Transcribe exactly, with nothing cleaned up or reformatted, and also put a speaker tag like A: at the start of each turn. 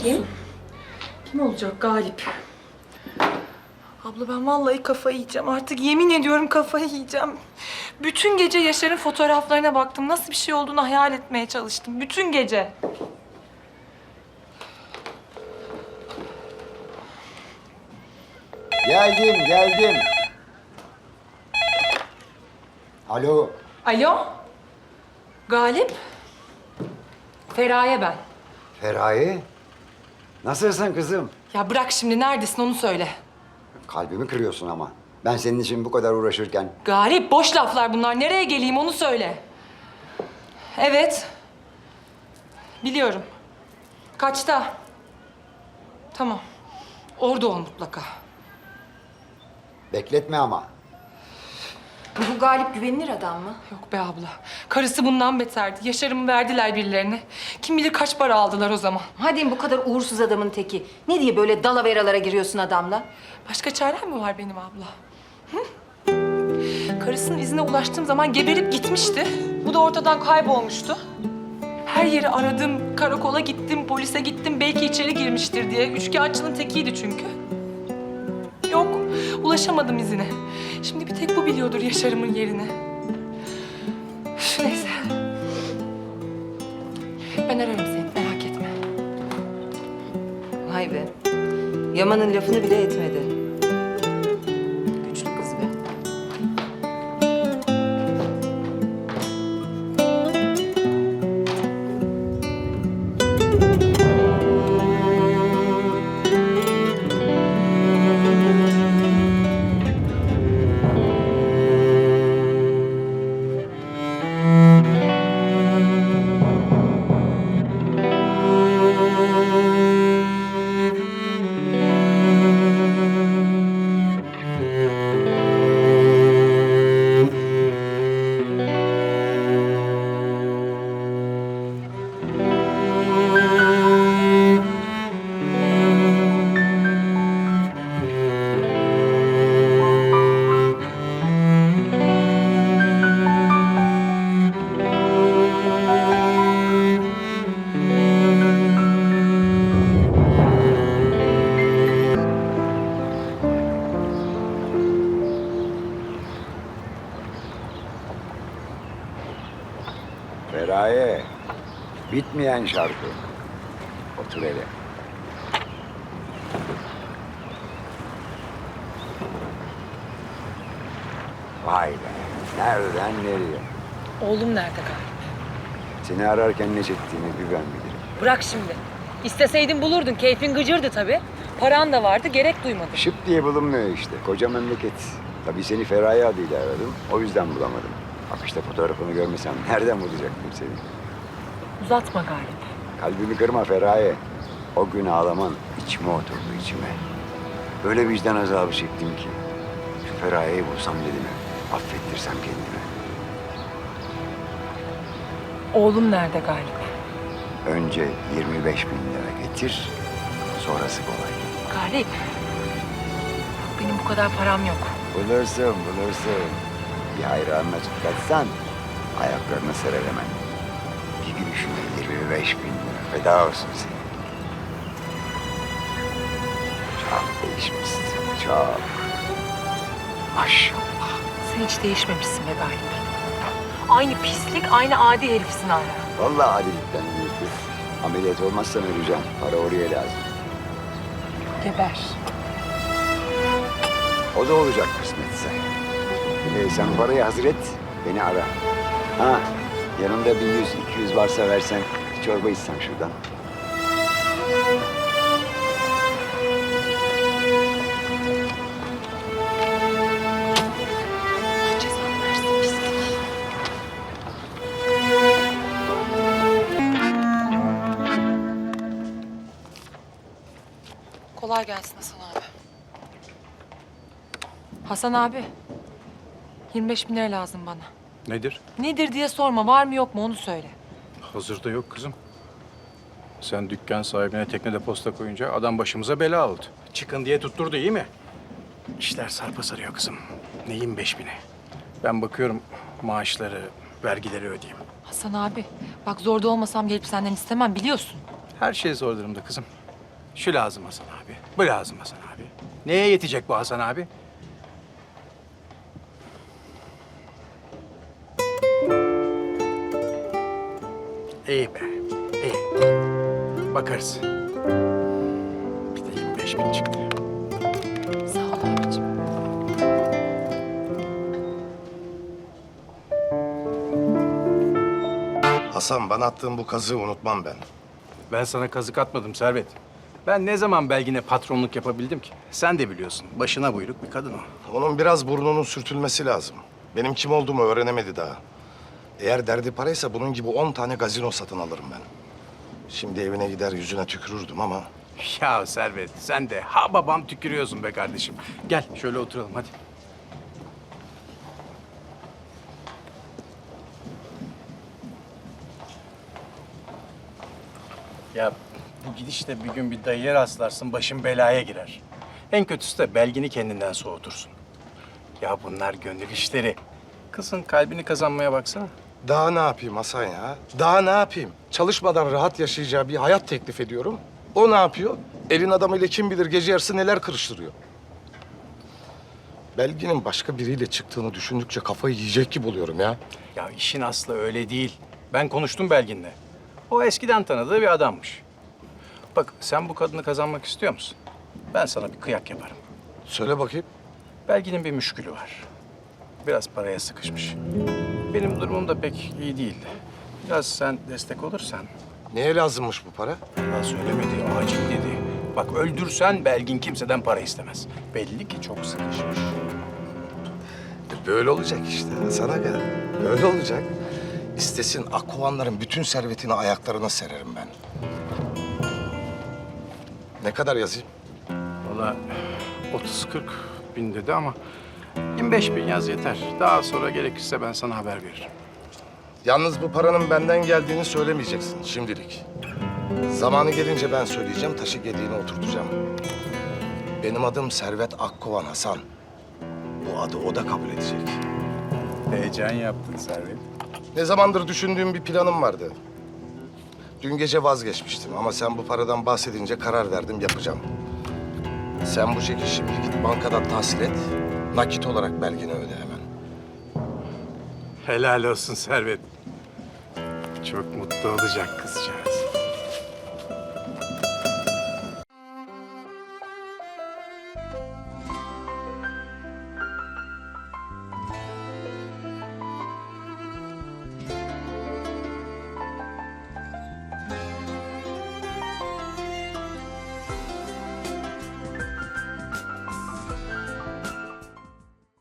A: Kim? Kim olacak Galip? Abla ben vallahi kafayı yiyeceğim. Artık yemin ediyorum kafayı yiyeceğim. Bütün gece Yaşar'ın fotoğraflarına baktım. Nasıl bir şey olduğunu hayal etmeye çalıştım. Bütün gece.
B: Geldim, geldim. Alo.
A: Alo? Galip? Feraye ben.
B: Feraye. Nasılsın kızım?
A: Ya bırak şimdi, neredesin onu söyle.
B: Kalbimi kırıyorsun ama. Ben senin için bu kadar uğraşırken.
A: Galip, boş laflar bunlar. Nereye geleyim onu söyle. Evet. Biliyorum. Kaçta? Tamam. Orada ol mutlaka.
B: Bekletme ama.
C: Bu Galip güvenilir adam mı?
A: Yok be abla. Karısı bundan beterdi. Yaşar'ımı verdiler birilerine. Kim bilir kaç para aldılar o zaman.
C: Hadi bu kadar uğursuz adamın teki. Ne diye böyle dalaveralara giriyorsun adamla?
A: Başka çarem mi var benim abla? Hı? Karısının izine ulaştığım zaman geberip gitmişti. Bu da ortadan kaybolmuştu. Her yeri aradım, karakola gittim, polise gittim. Belki içeri girmiştir diye. Üçkağıtçının tekiydi çünkü. Yok, ulaşamadım izine. Şimdi bir tek bu biliyordur Yaşar'ımın yerini. Üf, neyse. Ben ararım seni, merak etme.
C: Vay be. Yaman'ın lafını bile etmedi. Güçlü kız be.
B: Feraye. Bitmeyen şarkı. Otur hele. Vay be. Nereden nereye?
A: Oğlum nerede Galip?
B: Seni ararken ne çektiğini bir ben bilirim.
A: Bırak şimdi. İsteseydin bulurdun. Keyfin gıcırdı tabii. Paran da vardı, gerek duymadın.
B: Şıp diye bulunmuyor işte. Koca memleket. Tabii seni Feraye adıyla aradım. O yüzden bulamadım. Bak işte fotoğrafını görmesem nereden bulacaktım seni?
A: Uzatma Galip.
B: Kalbimi kırma Feraye. O gün ağlaman içime oturdu içime. Öyle vicdan azabı çektim ki. Şu Feraye'yi bulsam dedim. Affettirsem kendime.
A: Oğlum nerede Galip?
B: Önce yirmi beş bin lira getir. Sonrası kolay.
A: Galip. Benim bu kadar param yok.
B: Bulursun bulursun. Bir hayranına çıtlatsan ayaklarına serer hemen. Bir gülüşüne yirmi beş bin lira feda olsun senin. Çok değişmişsin, çok. Maşallah.
A: Sen hiç değişmemişsin be Galip. Aynı pislik, aynı adi herifsin hala.
B: Vallahi adilikten büyük kız. Ameliyat olmazsan öleceğim. Para oraya lazım.
A: Geber.
B: O da olacak kısmetse. Ee, sen parayı hazır et, beni ara. Ha, yanında bir yüz, iki yüz varsa versen, bir çorba içsem şuradan.
A: Allah cezanı versin pislik. Kolay gelsin Hasan abi. Hasan abi. yirmi beş bin lira lazım bana.
D: Nedir?
A: Nedir diye sorma. Var mı yok mu onu söyle.
D: Hazırda yok kızım. Sen dükkan sahibine teknede posta koyunca adam başımıza bela oldu. Çıkın diye tutturdu, iyi mi? İşler sarpa sarıyor kızım. Neyin beş bini? Ben bakıyorum maaşları, vergileri ödeyeyim.
A: Hasan abi bak zorda olmasam gelip senden istemem biliyorsun.
D: Her şey zor durumda kızım. Şu lazım Hasan abi, bu lazım Hasan abi. Neye yetecek bu Hasan abi? İyi be, iyi. Bakarız. Bir de yirmi beş bin çıktı.
A: Sağ ol abicim.
E: Hasan, bana attığın bu kazığı unutmam ben.
D: Ben sana kazık atmadım Servet. Ben ne zaman Belgin'e patronluk yapabildim ki? Sen de biliyorsun. Başına buyruk bir kadın o.
E: Onun biraz burnunun sürtülmesi lazım. Benim kim olduğumu öğrenemedi daha. Eğer derdi paraysa bunun gibi on tane gazino satın alırım ben. Şimdi evine gider yüzüne tükürürdüm ama...
D: Ya Servet sen de ha babam tükürüyorsun be kardeşim. Gel şöyle oturalım hadi. Ya bu gidişle bir gün bir dayıya rastlarsın başın belaya girer. En kötüsü de Belgin'i kendinden soğutursun. Ya bunlar gönül işleri. Kızın kalbini kazanmaya baksana.
E: Daha ne yapayım Hasan ya? Daha ne yapayım? Çalışmadan rahat yaşayacağı bir hayat teklif ediyorum. O ne yapıyor? Elin adamıyla kim bilir gece yarısı neler kırıştırıyor. Belgin'in başka biriyle çıktığını düşündükçe kafayı yiyecek gibi oluyorum ya.
D: Ya işin aslı öyle değil. Ben konuştum Belgin'le. O eskiden tanıdığı bir adammış. Bak sen bu kadını kazanmak istiyor musun? Ben sana bir kıyak yaparım.
E: Söyle bakayım.
D: Belgin'in bir müşkülü var. Biraz paraya sıkışmış. Benim durumum da pek iyi değildi. Biraz sen destek olursan.
E: Neye lazımmış bu para?
D: Allah söylemedi, acil dedi. Bak öldürsen Belgin kimseden para istemez. Belli ki çok sıkışmış.
E: E, Böyle olacak işte Hasan Aga. Böyle olacak. İstesin Akkovanların bütün servetini ayaklarına sererim ben. Ne kadar yazayım?
D: Valla otuz kırk bin dedi ama yirmi beş bin yaz yeter. Daha sonra gerekirse ben sana haber veririm.
E: Yalnız bu paranın benden geldiğini söylemeyeceksin şimdilik. Zamanı gelince ben söyleyeceğim, taşı gediğine oturtacağım. Benim adım Servet Akkovan Hasan. Bu adı o da kabul edecek.
D: Heyecan yaptın Servet.
E: Ne zamandır düşündüğüm bir planım vardı. Dün gece vazgeçmiştim ama sen bu paradan bahsedince karar verdim, yapacağım. Sen bu çeki şimdi git bankadan tahsil et, nakit olarak Belgin'e öde hemen.
D: Helal olsun Servet. Çok mutlu olacak kızcağız.